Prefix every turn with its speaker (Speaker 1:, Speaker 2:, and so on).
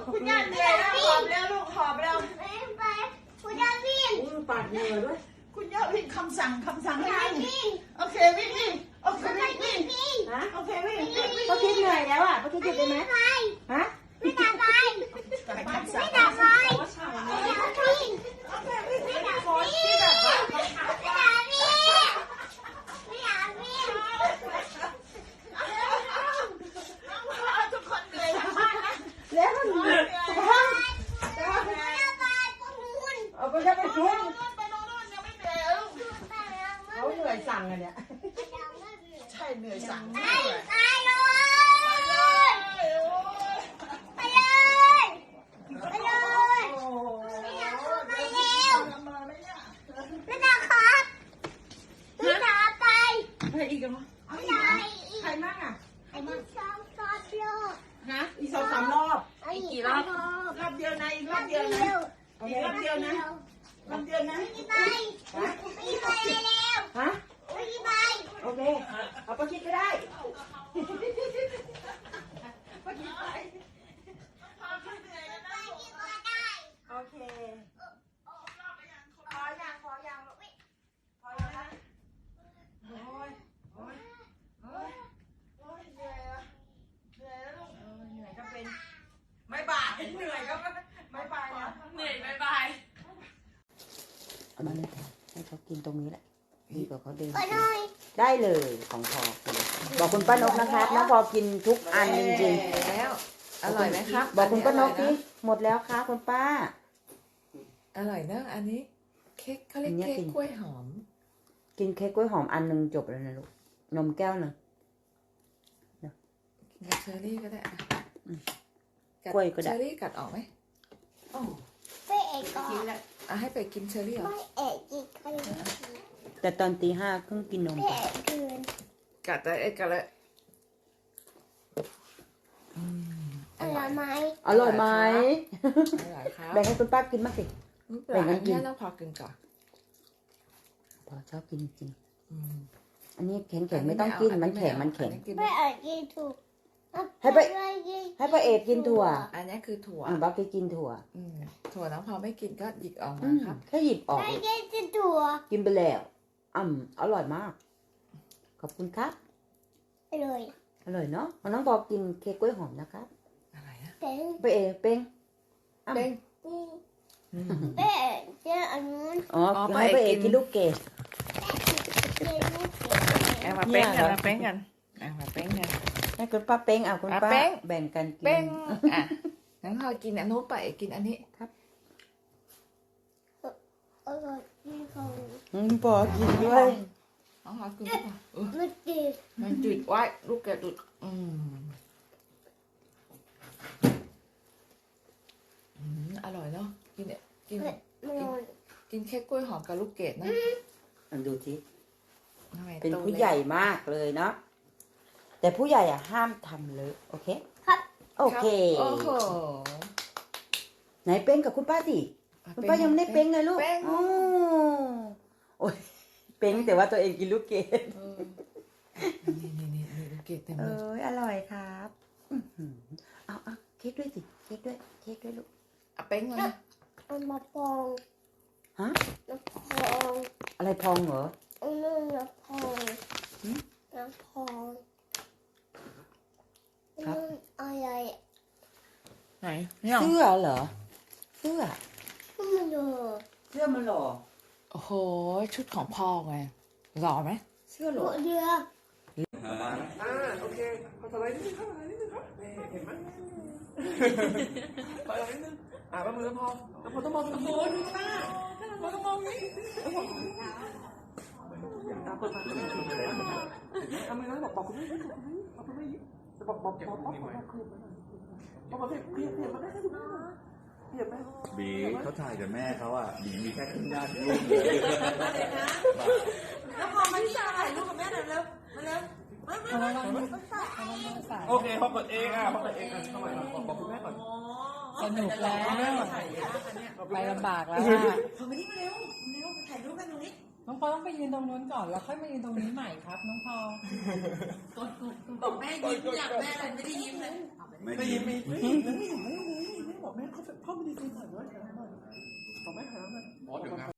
Speaker 1: คุณย่าเหนื่อยแล้วหอบแล้วลูกหอบแล้ว
Speaker 2: ไปคุณย่าวิ่ง
Speaker 3: ปากเหนื่อยด้วย
Speaker 1: คุณย่าวิ่งคำสั่งให้วิ่งโอเควิ่งโอเควิ่ง
Speaker 3: ฮะ
Speaker 1: โอเควิ่ง
Speaker 3: ป้าคิดเหนื่อยแล้วอ่ะป้าคิดหยุดได้ไหมฮะ
Speaker 2: ไม่ด่าไปไม่ด่าไปไม่ด่าวิ่งไม่ด่าวิ่งไม่ด่าวิ่งไม่ด่าวิ่ง
Speaker 1: ทุกคนเหนื่อยมากนะ
Speaker 3: แล้วมันเหนื่อยเอาไปจะไปช่วย
Speaker 1: ไปโน่นยังไม่เหนื่อยลูก
Speaker 3: เขาเหนื่อยสั่งอะเนี่ย
Speaker 1: ใช่เหนื่อยสั่ง
Speaker 2: ไปเลยไปเลยไปเลยไม่ด่าไปเร็วไม่ด่าครับไม่ด่าไป
Speaker 3: ไปอีกเหรอ
Speaker 2: ไม่ด่า
Speaker 3: ใครมั่งอ่ะ
Speaker 2: ไอ้ที่ชอบรอบ
Speaker 3: ฮะอีก2-3 รอบ
Speaker 2: อีกกี่รอบ
Speaker 1: รอบเดียวนะอีกรอบเดียวนะอีกรอบเดียวนะรอบเดียวนะ
Speaker 2: ไม่ไปไม่ไปเร็ว
Speaker 3: ฮะ
Speaker 2: ไม่ไป
Speaker 3: โอเคเอาป้าคิดก็ได้
Speaker 1: ป้าคิดไป
Speaker 3: โอเคพอยังนะโอ้ย
Speaker 1: เหนื่อยแล้วลูก
Speaker 3: เหนื่อยก็เป็นไม่บ่ายเหนื่อยก็ไม่บ่ายนะ
Speaker 1: เหนื่อยบาย
Speaker 3: เอามาเลยให้เขากินตรงนี้แหละดีกว่าเขาเดิน
Speaker 2: ไปหน่อย
Speaker 3: ได้เลยของพอบอกคุณป้านกนะครับน้องพอกินทุกอันจริงๆ
Speaker 4: แล้วอร่อยไหมครับ
Speaker 3: บอกคุณป้านกที่หมดแล้วค่ะคุณป้า
Speaker 4: อร่อยเนอะอันนี้เค้กเขาเรียกเค้กกล้วยหอม
Speaker 3: กินเค้กกล้วยหอมอันนึงจบแล้วนะลูกนมแก้วนึง
Speaker 4: กินกับเชอร์รี่ก็ได้
Speaker 3: กล้วยก็ได้
Speaker 4: เชอร์รี่กัดออกไหม
Speaker 2: ไปเอกก่อน
Speaker 4: ให้ไปกินเชอร์รี่เหรอ
Speaker 2: ไม่เอกอีกคน
Speaker 3: แต่ตอนตี 5เพิ่งกินนม
Speaker 2: ไปเอกคืน
Speaker 4: กัดได้กัดเลย
Speaker 2: อร่อยไหม
Speaker 3: อร่อยไหม
Speaker 4: อร่อยครับ
Speaker 3: แบ่งให้คุณป้ากินมากสิ
Speaker 4: แบ่งกันกินต้องพอกินก่อน
Speaker 3: พอชอบกินจริงอันนี้แข็งไม่ต้องกินมันแข็ง
Speaker 2: ไปเอกกินถูก
Speaker 3: ให้ป้าเอกกินถั่ว
Speaker 4: อันนี้คือถั่ว
Speaker 3: บักไปกินถั่ว
Speaker 4: ถั่วน้องพอไม่กินก็หยิบออกมาครับ
Speaker 3: แค่หยิบออก
Speaker 2: ไปกินถั่ว
Speaker 3: กินไปแล้วอร่อยมากขอบคุณครับ
Speaker 2: อร่อย
Speaker 3: เนาะน้องบอกกินเค้กกล้วยหอมนะครับ
Speaker 4: อะไรนะ
Speaker 3: ป้าเอกเป้ง
Speaker 2: ไปเอกเจ้าอันนู้น
Speaker 3: ให้ป้าเอกกินลูกเกด
Speaker 4: มาเป้งกันมาเป้งกัน
Speaker 3: ให้คุณป้าเป้งคุณป้าแบ่งกันกิน
Speaker 4: เป้งงั้นพอกินอันนู้นไปกินอันนี้
Speaker 3: ครับ
Speaker 2: อร่อยที่เขา
Speaker 3: ปอกินด้วย
Speaker 4: น้องพอกิน
Speaker 2: มัน
Speaker 4: จุดไว้ลูกแกจุดอร่อยเนาะกินเค้กกล้วยหอมกับลูกเกดนะ
Speaker 3: ดูทีเป็นผู้ใหญ่มากเลยเนาะแต่ผู้ใหญ่ห้ามทำเลยโอเค
Speaker 2: ครับ
Speaker 3: โอเค
Speaker 4: โอ้โห
Speaker 3: ไหนเป้งกับคุณป้าสิคุณป้ายังไม่ได้เป้งเลยลูกโอ้ยเป้งแต่ว่าตัวเองกินลูกเกด
Speaker 4: นี่ลูกเกดเต็มเลย
Speaker 3: อร่อยครับเอาเค้กด้วยสิเค้กด้วยลูก
Speaker 4: เป้งเลย
Speaker 2: มาพอง
Speaker 3: ฮะ
Speaker 2: มาพอง
Speaker 3: อะไรพองเหรอ
Speaker 2: น้ำพอง
Speaker 3: ครับ
Speaker 2: อะไร
Speaker 4: ไหน
Speaker 3: เสื้อเหรอเสื้อมันหล่อ
Speaker 4: โอ้โหชุดของพ่อไงหล่อไหม
Speaker 3: เสื้อหล่อ
Speaker 2: เรือ
Speaker 4: โอเคขอถอยนิดนึงครับเห็นไหมถอยนิดนึงประมือพอแล้วพอต้องมองตะโกนดูหน้าพอต้องมองนี้ตาเปิดมาทำไมน้องบอกคุณไม่ยิ้มบอกคุณไม่ยิ้มจะบอกเคลียร์มาได้แค่ดูหน้าเคลียร์ไหม
Speaker 5: บีเขาถ่ายกับแม่เขาอ่ะบีมีแค่ครึ่งหน้าที่ลูกเลย
Speaker 1: แล้วพอมาที่ถ่ายรูปกับแม่หน่อยเร็วมาเร็ว
Speaker 4: โอเคพอเปิดเองเข้ามาบอกคุณแม่ก่อนสนุกแล้วไปลำบากแล้ว
Speaker 1: พอมานี่มาเร็วถ่ายรูปกันตรงนี้
Speaker 6: น้องพอต้องไปยืนตรงนู้นก่อนแล้วค่อยมายืนตรงนี้ใหม่ครับน้องพอ
Speaker 1: บอกแม่ยิ้มอยากแม่อะไรไม่ได้ยิ้มเลย
Speaker 5: ไม่ยิ้ม
Speaker 1: ไม่บ
Speaker 4: บอกแม่เขาพ่อไม่ได้กินหน่อยด้วยบอกแม่หาหน่อยอ๋อเดี๋ยวนะ